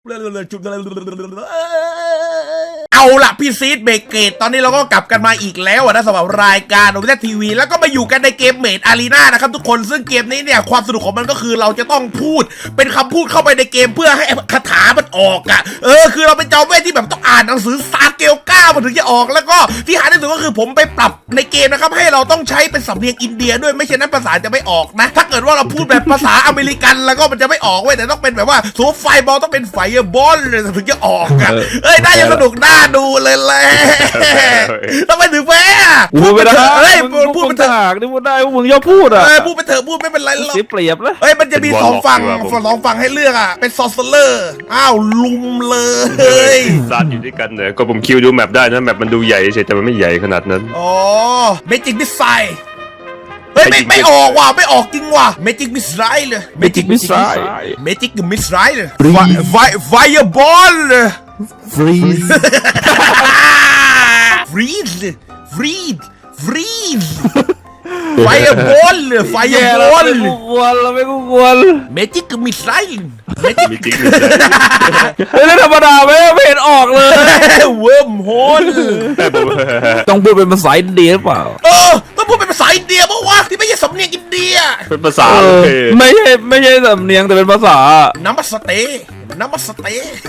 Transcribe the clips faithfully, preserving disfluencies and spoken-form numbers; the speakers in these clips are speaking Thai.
เอาล่ะพี่ซีดเบเกตตอนนี้เราก็กลับกันมาอีกแล้วนะสำหรับรายการโอเปร่าทีวีแล้วก็มาอยู่กันในเกมเมดอารีนานะครับทุกคนซึ่งเกมนี้เนี่ยความสนุกของมันก็คือเราจะต้องพูดเป็นคำพูดเข้าไปในเกมเพื่อให้คาถามันออกอ่ะเออคือเราเป็นจอมเวทที่แบบต้องอ่านหนังสือซาเกลก้ามันถึงจะออกแล้วก็ที่หาได้สุดก็คือผมไปปรับในเกมนะครับให้เราต้องใช้เป็นสำเนียงอินเดียด้วยไม่เช่นนั้นภาษาจะไม่ออกนะถ้าเกิดว่าเราพูดแบบภาษาอเมริกันแล้วก็มันจะไม่ออกเว้ยแต่ต้องเป็นแบบว่าสูไฟบอลต้องเป็นไฟบอลถึงจะออกอ่ะเอ้ยน่าจะสนุกน่าดูเลยแหละทำไมถึงแพ้พูดไปเถอะเฮ้ยพูดไปเถอะนี่พูดได้มึงย่อพูดอ่ะเออพูดไปเถอะพูดไม่เป็นไรหรอกเสียเปรียบแล้วเฮ้ยมันจะมีสองฝั่งสองฝั่งให้เลือกอ่ะเป็นซอสเลอร์อ้าวลุมเลยซานอยู่ด้วยกันเนี่ยก็ผมคิวดูแมปได้นะแมปมันดูใหญ่เฉยแต่มันไม่ใหญ่ขนาดนั้นอ๋อเมจิกมิสไซล์เฮ้ยไม่ไม่ออกว่ะไม่ออกจริงว่ะเมจิกมิสไซล์เลยเมจิกมิสไซล์เมจิกมิสไซล์เลยไฟไฟบอลฟรีซฟรีซฟรีซฟรีซไฟบอลไฟบอลเราไม่กวนเราไม่กวนเมจิกมิสไซล์เมจิกมิสไซล์เฮ้ยธรรมดาไม่ไม่เห็นออกเลยเวิร์มโฮลต้องพูดเป็นภาษาอินเดียเปล่าเออต้องพูดเป็นภาษาอินเดียเพราะว่าที่ไม่ใช่สำเนียงอินเดียเป็นภาษาไม่ใช่ไม่ใช่สำเนียงแต่เป็นภาษาน้ำมัสเตน้ำมัสเต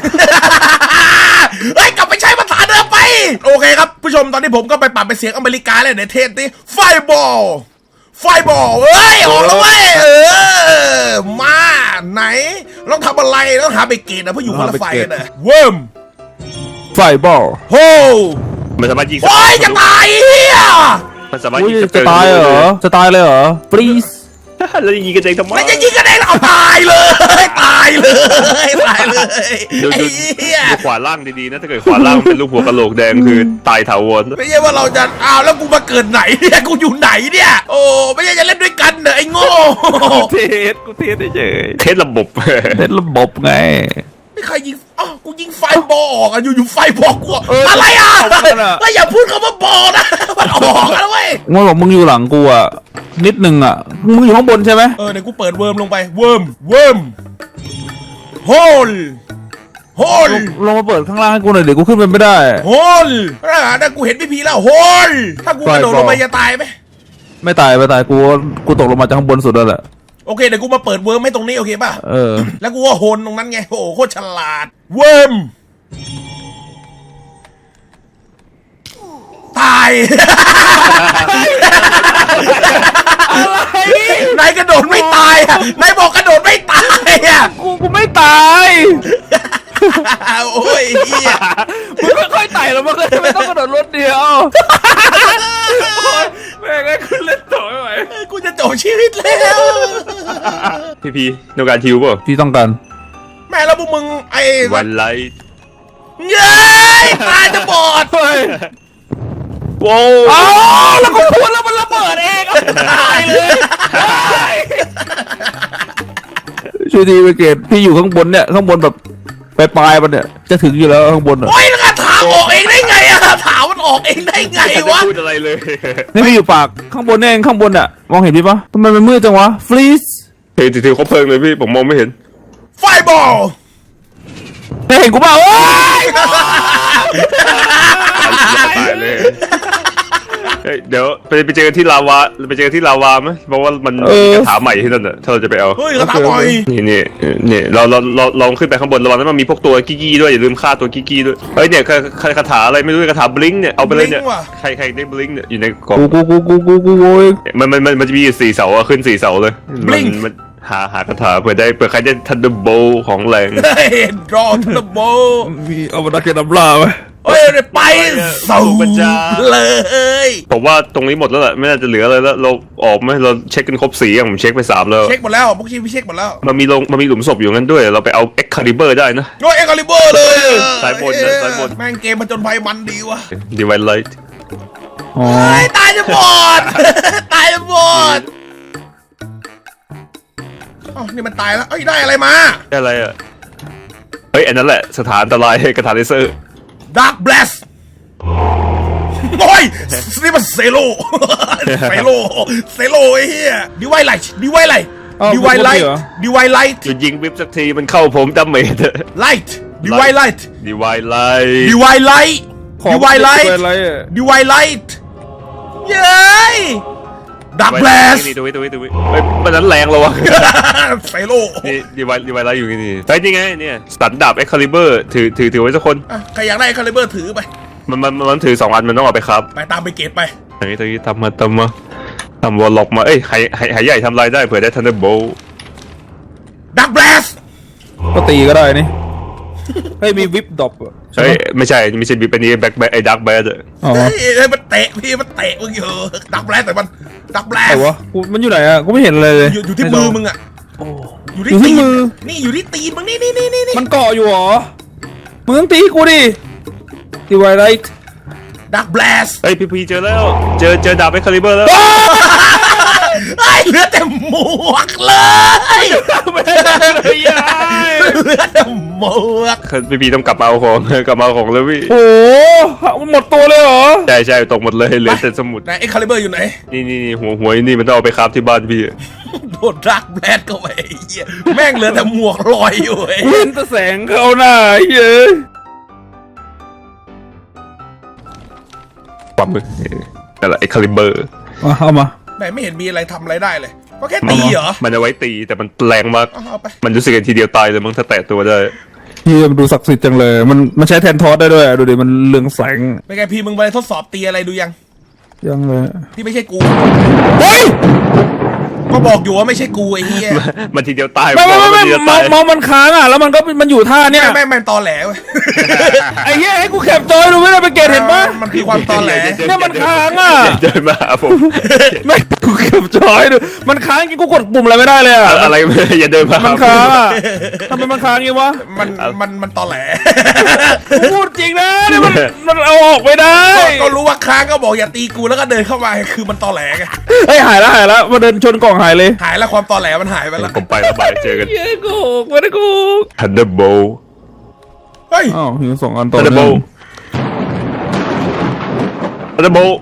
เฮ้ยกลับไปใช้ภาษาเดิมไปโอเคครับผู้ชมตอนนี้ผมก็ไปปรับเป็นเสียงอเมริกาเลยในเทปนี้ไฟบอลไฟบอลเอ้ยออกแล้วเว้ยเออมาไหนต้องทำอะไรต้องหาเบเกตนะเพราะอยู่คนละไฟกันนะเวิร์มไฟบอลโฮมันสามารถยิงโอ้ยจะตายเฮียมันสามารถยิงจะตายเหรอจะตายเลยเหรอ please แล้วยิงกันเองทำไมไม่จะยิงกันเองเอาตายเลยตายเลยตายเลยดูดูขวาล่างดีๆนะถ้าเกิดขวาล่างเป็นลูกหัวกะโหลกแดงคือตายถาวรไม่ใช่ว่าเราจะอ้าวแล้วกูมาเกิดไหนเนี่ยกูอยู่ไหนเนี่ยโอ้ไม่ใช่จะเล่นด้วยกันเหรอไอ้โง่เทสกูเทสเฉยเทสระบบเทสระบบไงไม่ใครยิงอ้าวกูยิงไฟบอลออกอ่ะอยู่อยู่ไฟบอลกูอะไรอ่ะไม่อย่าพูดคำว่าบอลนะมันออกแล้วเว้ยมึงบอกมึงอยู่หลังกูอ่ะนิดนึงอ่ะมึงอยู่ข้างบนใช่ไหมเออเดี๋ยวกูเปิดเวิร์มลงไปเวิร์มเวิร์มโฮลโฮลลงมาเปิดข้างล่างให้กูหน่อยเดี๋ยวกูขึ้นไปไม่ได้โฮลถ้ากูเห็นพี่พีแล้วโฮลถ้ากูกระโดดลงไปจะตายไหมไม่ตายไม่ตายกูกูตกลงมาจากข้างบนสุดแล้วแหละโอเคเดี๋ยวกูมาเปิดเวิร์มให้ตรงนี้โอเคป่ะเออแล้วกูก็โฮลตรงนั้นไงโอ้โหโคตรฉลาดเวิร์มตายนายกระโดดไม่ตายอ่ะนายบอกกระโดดไม่ตายอ่ะกูกูไม่ตายโอ้ยเฮียมึงไม่ค่อยไต่หรอกมึงไม่ต้องกระโดดรถเดียวแม่งก็ขึ้นเล่นต่อไม่ไหวกูจะจบชีวิตแล้วพี่พีโนการทิวป่ะพี่ต้องการแม่แล้วพวกมึงไอ้วันไลท์เย้ยตาจะบอดโว้อ้าวแล้วกูพูดแล้วมันระเบิดเองตายเลยช่วยทีไปเกตพี่อยู่ข้างบนเนี่ยข้างบนแบบปลายปลายมันเนี่ยจะถึงอยู่แล้วข้างบนอ่ะโอ้ยแล้วถามออกเองได้ไงอะถามมันออกเองได้ไงวะพูดอะไรเลยนี่พี่อยู่ปากข้างบนเองข้างบนอ่ะมองเห็นพี่ปะทำไมมันมืดจังวะฟรีซเฮ้ยถือเขาเพลิงเลยพี่ผมมองไม่เห็นไฟบอลเห็นกูเปล่าโอ้ยตายเลยเดี๋ยวไปไปเจอที่ลาวาไปเจอที่ลาวาไหมเพราะว่ามันมีกระถาใหม่ที่นั่นอ่ะถ้าเราจะไปเอาเฮ้ยกระถาใหม่นี่นี่นี่เราเราเราลองขึ้นไปข้างบนระวังนั้นมันมีพวกตัวกี้กี้ด้วยอย่าลืมฆ่าตัวกี้กี้ด้วยเฮ้ยเนี่ยคาถาอะไรไม่รู้คาถาบลิงเนี่ยเอาไปเลยเนี่ยใครใครได้บลิงเนี่ยอยู่ในกล่องกูกูกูกูกูกูมันมันมันมันจะมีสี่เสาขึ้นสี่เสาเลยมันหาหาคาถาเผื่อได้เผื่อใครได้ทันเดอร์โบของแรงรอทันเดอร์โบมีเอามาดักเก็ตน้ำปลาไหมเฮ้ยไปสูงเลยผมว่าตรงนี้หมดแล้วแหละไม่น่าจะเหลืออะไรแล้วเราออกไหมเราเช็คกันครบสี่อย่างผมเช็คไปสามแล้วเช็คหมดแล้วพวกที่พี่เช็คหมดแล้วมันมีลงมันมีหลุมศพอยู่งั้นด้วยเราไปเอาเอ็กคาลิเบอร์ได้นะโอ้เอ็กคาลิเบอร์เลยสายบนนะสายบนแม่งเกมมันจนภัยมันดีวะดีไวไลท์ตายจะบอดตายจะบอดอ๋อนี่มันตายแล้วเอ้ยได้อะไรมาได้อะไรอ่ะเฮ้ยอันนั้นแหละสถานอันตรายกระถางเลเซอร์ Dark Blast โอ้ยนี่มันเซโลเซโลเซโลไอ้เหี้ยดีไว้ไรดีไว้ไรอ้าวดีไวไลมีท์เหรอดีไวไลท์หยุดยิงวิบสักทีมันเข้าผมดาเมจไลท์ดีไวไลท์ดีไวไลท์ดีไวไลท์ขอดีไวไลท์ดีไวไลท์อะดีไวไลท์เย้ยดักแบลสนี่ดูไว้ดูไว้ดูไว้เฮ้ยมันนั้นแรงแล้ววะไซโลนี่ดีไวดีไวไลท์อยู่นี่นี่เฮ้ยนี่ไงเนี่ยสันดาบเอ็กคาลิเบอร์ถือถือถือไว้สักคนอ่ะใครอยากได้คาลิเบอร์ถือไปมันมันมันถือสองอันมันต้องเอาไปครับไปตามไปเกตไปตรงนี้ตรงนี้ทำมาทำมาทำวอลล็อกมาเอ้ยหายหายหายใหญ่ทำลายได้เผื่อได้ทันเดอร์โบลดักแบลสก็ตีก็ได้นี่เฮ้ยมีวิปดรอปอะใช่เฮ้ยปะไม่ใช่ไม่ใช่บีเป็นนี้แบ็คแบ็คไอ้ดักแบ็คอ๋อเฮ้ยเฮ้ยมันเตะพี่มันเตะมึงอยู่ดักแบลสแต่มันดักแบลไหนสวะกูมันอยู่ไหนอะกูไม่เห็นอะไรเลยอยู่อยู่ที่มือมึงอ่ะอยู่อยู่ที่ตีนมือนี่อยู่ที่ตีนมึงนี่นี่นี่นี่มันเกาะอยู่เหรอมึงต้องตีกูดิดีไวไลท์ดักแบลสเฮ้ยพี่พีเจอแล้วเจอเจอดาบเอ็กคาลิเบอร์แล้วไอ้เหลือแต่หมวกเลยเหลือแต่หมวกพี่พีต้องกลับมาเอาของ กลับมาเอาของเลยพี่โอ้โหมันหมดตัวเลยเหรอใช่ใช่ตกหมดเลยเหลือแต่สมุดไหนไอ้คาลิเบอร์อยู่ไหนนี่นี่นี่หัวหัวนี่มันต้องเอาไปคราฟที่บ้านพี่โดนดักแบลสเข้าไปไอ้เหี้ยแม่งเหลือแต่หมวกลอยอยู่ไอ้กูเห็นแต่แสงเข้าหน้าไอ้เย้ยปั๊มเลยนั่นแหละเอ็กคาลิเบอร์มาเอามาไหนไม่เห็นมีอะไรทำอะไรได้เลยก็แค่ตีเหรอมันเอาไว้ตีแต่มันแรงมากเอาเอาไปมันรู้สึกกันทีเดียวตายเลยมั้งถ้าแตะตัวได้เฮียมันดูศักดิ์สิทธิ์จังเลย มันมันใช้แทนทอสได้ด้วยอะดูดิมันเรืองแสงเป็นไงพี่มึงไปทดสอบตีอะไรดูยังยังเลยที่ไม่ใช่กูเฮ้ยก็บอกอยู่ว่าไม่ใช่กูไอ้เหี้ยมันทีเดียวตายไม่ไม่บอกไม่ว่าไม่นทีเดียวเมาตายเมามันค้างอ่ะแล้วมันก็มันอยู่ท่าเนี้ยแม่งแม่งตอแหลเว้ยไอ้เหี้ยให้กูแคปจอยดูไม่ได้ไปเกตเห็นปะมันคือความตอแหลเนี่ยมันค้างอะเดินมาหาผมไม่กูแคปจอยดูมันค้างจริงกูกดปุ่มอะไรไม่ได้เลยอ่ะอะไรอย่าเดินมามัมันค้างอ่ะทำไมมันค้างงี้วะมันมันมันตอแหลกูพูดจริงนะเนี่ยมันมันเอาออกไม่ได้ก็ก็รู้ว่าค้างก็บอกอย่าตีกูแล้วก็เดินเข้ามาคือมันตอแหลไงเฮ้ยหายแล้วหายแล้วมาเดินชนกล่องหายเลยหายแล้วความตอแหลมันหายไปแล้วผมไปแล้วบายเจอกันเย้กูไม่ได้กูทันเดอร์โบลเฮ้ยอ้าวหิวสองอันต่อทันเดอร์โบลเนื่องทันเดอร์โบล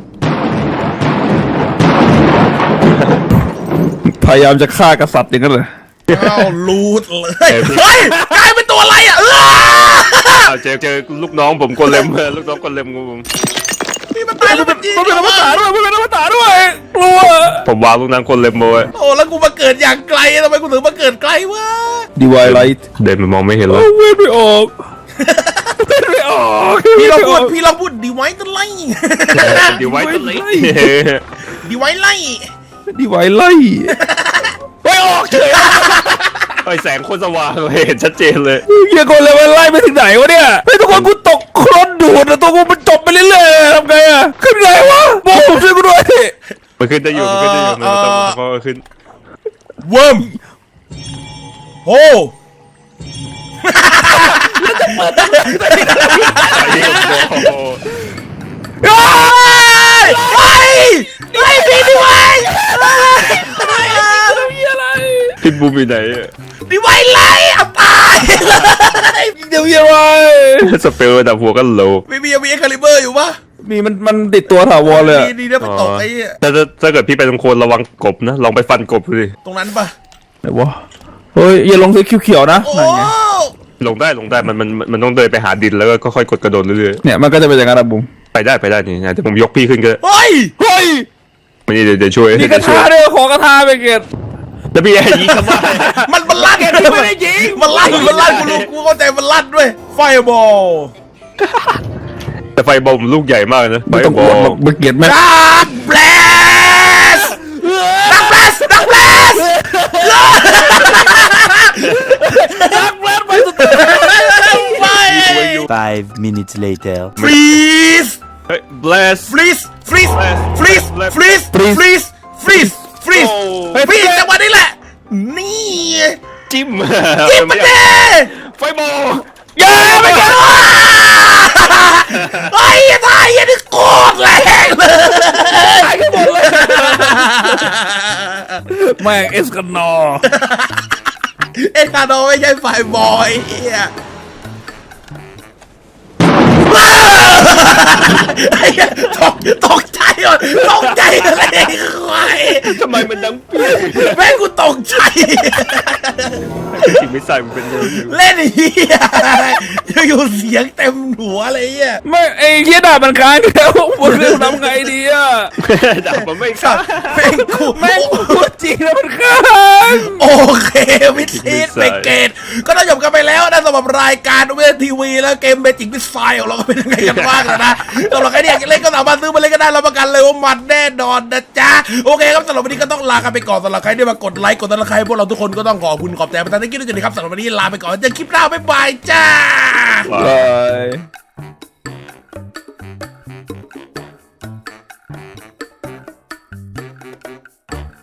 พยายามจะฆ่ากษัตริย์อย่างนั้นเลยอ้าวรูดเลยเฮ้ยกลายเป็นตัวอะไรอ่ะเออเจอเจอลูกน้องผมโกเลมลูกน้องโกเลมผมนี่มันตายแล้วมันยิงมันเป็นอมตะด้วยมันเป็นอมตะด้วยกลัวผมวางลูกน้องโกเลมเอาไว้โอ้แล้วกูมาเกิดอย่างไกลทำไมกูถึงมาเกิดไกลวะดีไวไลท์เดินมามองไม่เห็นเลโอ้ยเว้ยไม่ออกเว้ยไม่ออกพี่ลองพูดพี่ลองพูดดีไว้ตัวไล่เดี๋ยวไว้ต้นเล็กดีไว้ไล่ดีไวไลท์ไม่ออกเฉยไอแสงโคตรสว่างเลยเห็นชัดเจนเลยเฮียคนเลยมันไล่ไปถึงไหนวะเนี่ยไอ้ทุกคนกูตกโคลนดูดอะตัวกูมันจบไปเรื่อยๆทำไงอะขึ้นไงวะบอกผมช่วยกูด้วยมันขึ้นได้อยู่มันขึ้นได้อยู่มันต้องมันขึ้นเวิร์มโอ้โอ้โหเฮ้ยเฮ้ยพี่ดีไว้มีอะไรพิทบูมอยู่ไหนดีไว้ไล่เอาตายเลยเดี๋ยวมีอะไรสเปลระดับหัวก็โลมีมีมีคาลิเบอร์อยู่ปะมีมันมันติดตัวถาวรเลยอะดีดีนะไปตกไอ้แต่ถ้าเกิดพี่ไปตรงโคนระวังกบนะลองไปฟันกบดูดิตรงนั้นปะไหนวะเฮ้ยอย่าลงสีเขียวๆนะโอ้นั่นไงลงได้ลงได้มันมันมันต้องเดินไปหาดินแล้วก็ค่อยกดกระโดดเรื่อยเนี่ยมันก็จะเป็นอย่างนั้นอะบุ้มๆไปได้ไปได้นี่นะแต่ผมยกพี่ขึ้นก็เฮ้ยเฮ้ยไม่นี่เดี๋ยวเดี๋ยวช่วยมีกเดี๋ระยวช่วทาย ด้วยขอกระทาไปเกตแล้วพี่ไอ้ยิงทำไมมันมันลั่นไม่ได้ยิงมันลั่นมันลั่นกูรู้กูเข้าใจมันลั่นด้วยไฟบอลแต่ไฟบอลลูกใหญ่มากนะไฟไม่ต้องบ อลกดหรอกไปเกตแม่งดักแบลสดักแบลสดักแบลสดักแบลนไปสุดไฟ Five minutes later. ฟรีสเฮ้ย bless ฟรีสฟรีสฟรีสฟรีสฟรีสฟรีสฟรีสฟรีสฟรีสจังหวะนี้แหละนี่จิ้มจิ้มมาเด้ไฟบอลอย่าไปกันไอ้ทายยันโคตรแรงเลยตายกันหมดเลยแม่งเอสกันนอเอ็นคาโดไม่ใช่ฝ่ายบอยเฮียไอ้เหี้ยตกตกใจหมดตกใจอะไรควายทำไมมันดังเปี้ยแม่งกูตกใจจริงไม่ใส่มันเป็นเยอะอยู่เล่นเฮียอยู่ๆเสียงเต็มหัวเลยเฮียไม่ไอ้เหี้ยดาบมันค้างแล้วมึงเรื่องทำไงดีอะดาบมันไม่สัขาตว์แม่งกูแม่งพูดจริงแล้วมันค้างโอเควิธีเบเกตก็ต้องจบกันไปแล้วนะสำหรับรายการเวทีวีแล้วเกมเบจิกวิสไซของเราก็เป็นยังไงกันบ้างนะสำหรับใครที่อยากจะเล่นก็สามารถซื้อมาเล่นก็ได้รับประกันเลยว่ามันแน่นอนนะจ๊ะโอเคครับสำหรับวันนี้ก็ต้องลากันไปก่อนสำหรับใครที่มากดไลค์กดติดตามพวกเราทุกคนก็ต้องขอบคุณขอบใจประธานที่คิดด้วยนะครับสำหรับวันนี้ลาไปก่อนเจอคลิปหน้าบ๊ายบายจ้าบาย